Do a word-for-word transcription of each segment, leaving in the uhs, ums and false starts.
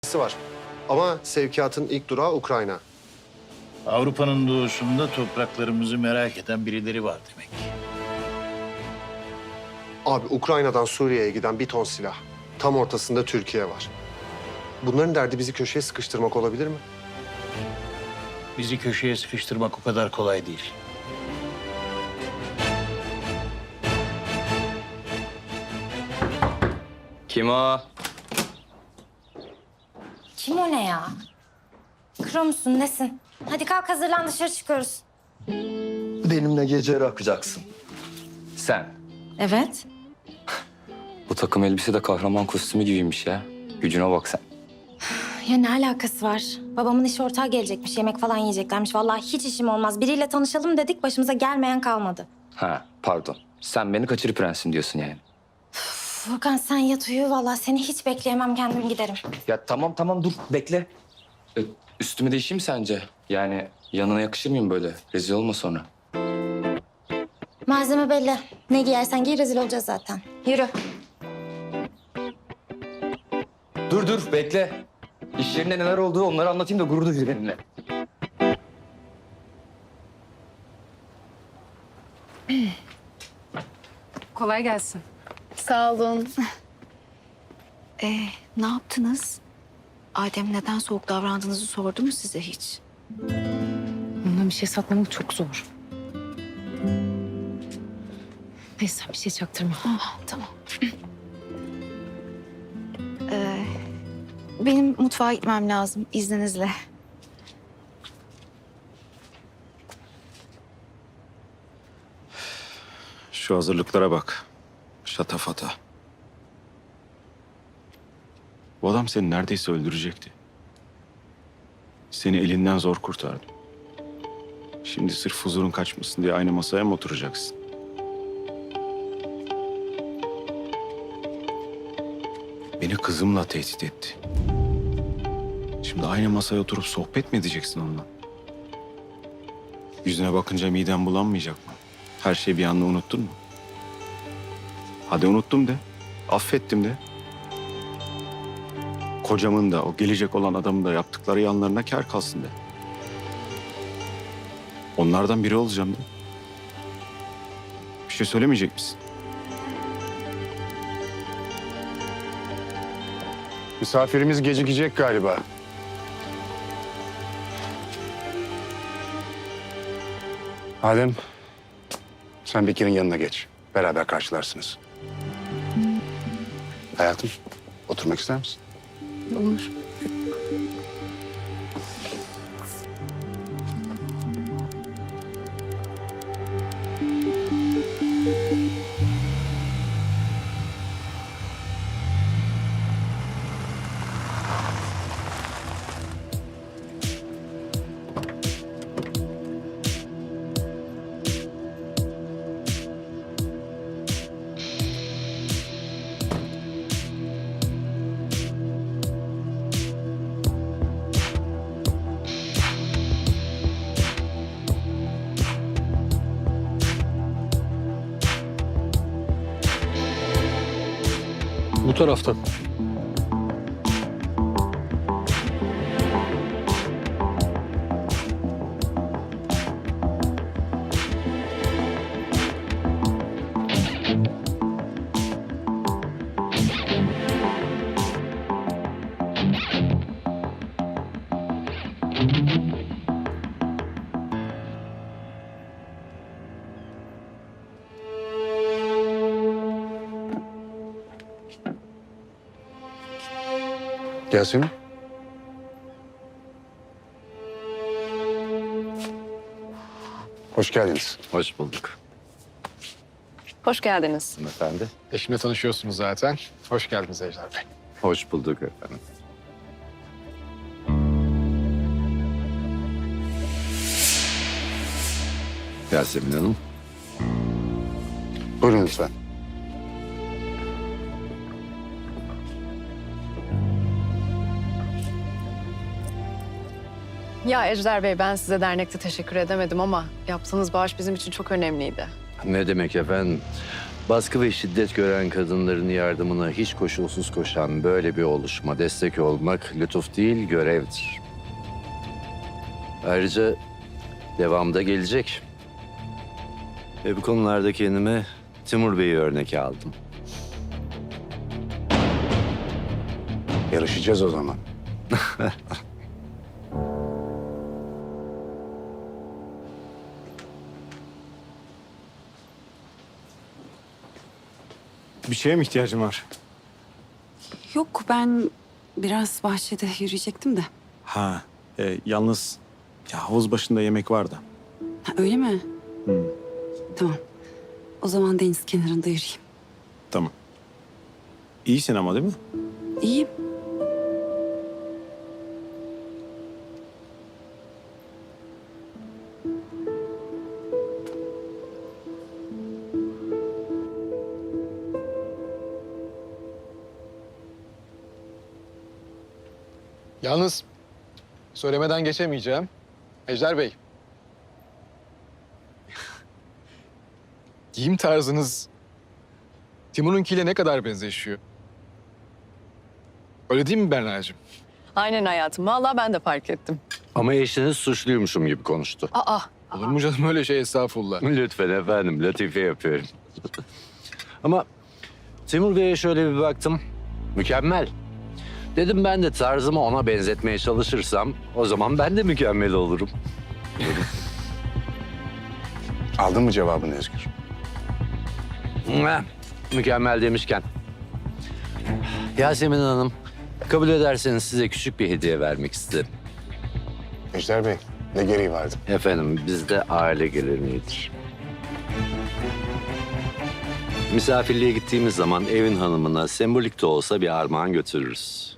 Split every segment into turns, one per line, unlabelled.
var. Ama sevkiyatın ilk durağı Ukrayna.
Avrupa'nın doğusunda topraklarımızı merak eden birileri var demek.
Abi Ukrayna'dan Suriye'ye giden bir ton silah. Tam ortasında Türkiye var. Bunların derdi bizi köşeye sıkıştırmak olabilir mi?
Bizi köşeye sıkıştırmak o kadar kolay değil.
Kim o?
Kim o ne ya? Kro musun, nesin? Hadi kalk hazırlan, dışarı çıkıyoruz.
Benimle gece yakacaksın. Sen.
Evet.
Bu takım elbise de kahraman kostümü gibiymiş ya. Gücüne bak sen.
Ya ne alakası var? Babamın iş ortağı gelecekmiş, yemek falan yiyeceklermiş. Vallahi hiç işim olmaz. Biriyle tanışalım dedik, başımıza gelmeyen kalmadı.
Ha pardon. Sen beni kaçırı prensim diyorsun yani.
Furkan sen yat uyu. Vallahi seni hiç bekleyemem, kendim giderim.
Ya tamam tamam dur bekle. Ee, üstümü değişeyim mi sence? Yani yanına yakışır mıyım böyle? Rezil olma sonra.
Malzeme belli. Ne giyersen giy, rezil olacağız zaten. Yürü.
Dur dur bekle. İş yerinde neler olduğu onları anlatayım da gurur duy benimle.
Kolay gelsin.
Sağ olun. Ee, ne yaptınız? Adem neden soğuk davrandığınızı sordu mu size hiç?
Ondan bir şey saklamak çok zor. Neyse bir şey çaktırma.
Ah, tamam. Ee, benim mutfağa gitmem lazım izninizle.
Şu hazırlıklara bak. Şatafata. Bu adam seni neredeyse öldürecekti. Seni elinden zor kurtardı. Şimdi sırf huzurun kaçmasın diye aynı masaya mı oturacaksın? Beni kızımla tehdit etti. Şimdi aynı masaya oturup sohbet mi edeceksin onunla? Yüzüne bakınca miden bulanmayacak mı? Her şeyi bir anda unuttun mu? Hadi unuttum de, affettim de. Kocamın da, o gelecek olan adamın da yaptıkları yanlarına kâr kalsın de. Onlardan biri olacağım de. Bir şey söylemeyecek misin?
Misafirimiz gecikecek galiba. Adem, sen Bekir'in yanına geç. Beraber karşılarsınız. Hayatım, oturmak ister misin?
Olur.
Bu taraftan.
Yasemin. Hoş geldiniz.
Hoş bulduk.
Hoş geldiniz.
Efendi.
Eşimle tanışıyorsunuz zaten. Hoş geldiniz Ejder Bey.
Hoş bulduk efendim. Yasemin Hanım.
Buyurun lütfen.
Ya Ejder Bey, ben size dernekte teşekkür edemedim ama yaptığınız bağış bizim için çok önemliydi.
Ne demek efendim? Baskı ve şiddet gören kadınların yardımına hiç koşulsuz koşan böyle bir oluşuma destek olmak lütuf değil, görevdir. Ayrıca devamda gelecek. Ve bu konularda kendime Timur Bey'i örnek aldım.
Yarışacağız o zaman.
Bir şeye mi ihtiyacın var?
Yok, ben biraz bahçede yürüyecektim de.
Ha, e, yalnız ya havuz başında yemek var da.
Ha, öyle mi? Tamam. O zaman deniz kenarında yürüyeyim.
Tamam. İyisin ama değil mi?
İyiyim.
Yalnız söylemeden geçemeyeceğim. Ejder Bey. Giyim tarzınız Timur'unkiyle ne kadar benzeşiyor? Öyle değil mi Berna'cığım?
Aynen hayatım. Vallahi ben de fark ettim.
Ama eşiniz suçluymuşum gibi konuştu.
Aa,
Olur mu canım öyle şey, estağfurullah.
Lütfen efendim, latife yapıyorum. Ama Timur Bey'e şöyle bir baktım. Mükemmel. Dedim ben de tarzımı ona benzetmeye çalışırsam o zaman ben de mükemmel olurum.
Aldın mı cevabını Özgür?
Heh, mükemmel demişken. Yasemin Hanım, kabul ederseniz size küçük bir hediye vermek isterim.
Ejder Bey, ne gereği vardı?
Efendim, bizde aile geleneğidir. Misafirliğe gittiğimiz zaman evin hanımına sembolik de olsa bir armağan götürürüz.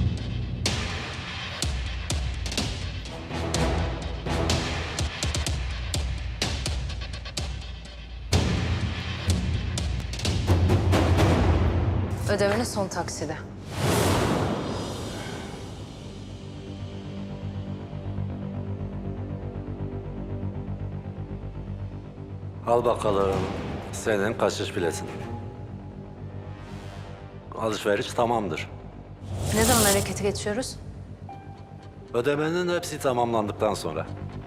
ödemenin son taksidi.
Al bakalım senin kaçış biletin. Alışveriş tamamdır.
Ne zaman harekete geçiyoruz?
Ödemenin hepsi tamamlandıktan sonra.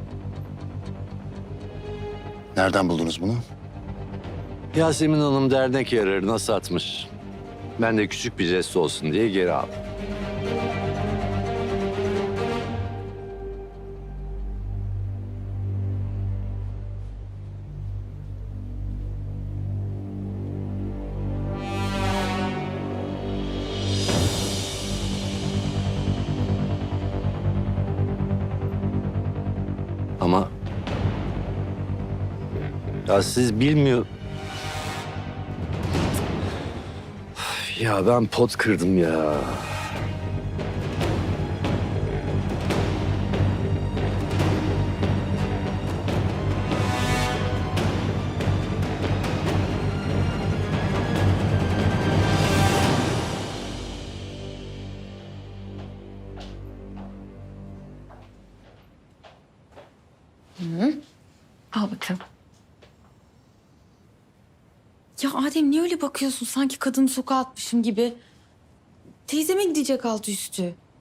Nereden buldunuz bunu?
Yasemin Hanım dernek yararına satmış. Ben de küçük bir jest olsun diye geri aldım. Ama ya siz bilmiyor. Ya ben pot kırdım ya.
Al bakalım.
Ya Adem niye öyle bakıyorsun? Sanki kadını sokağa atmışım gibi. Teyzeme gidecek altı üstü.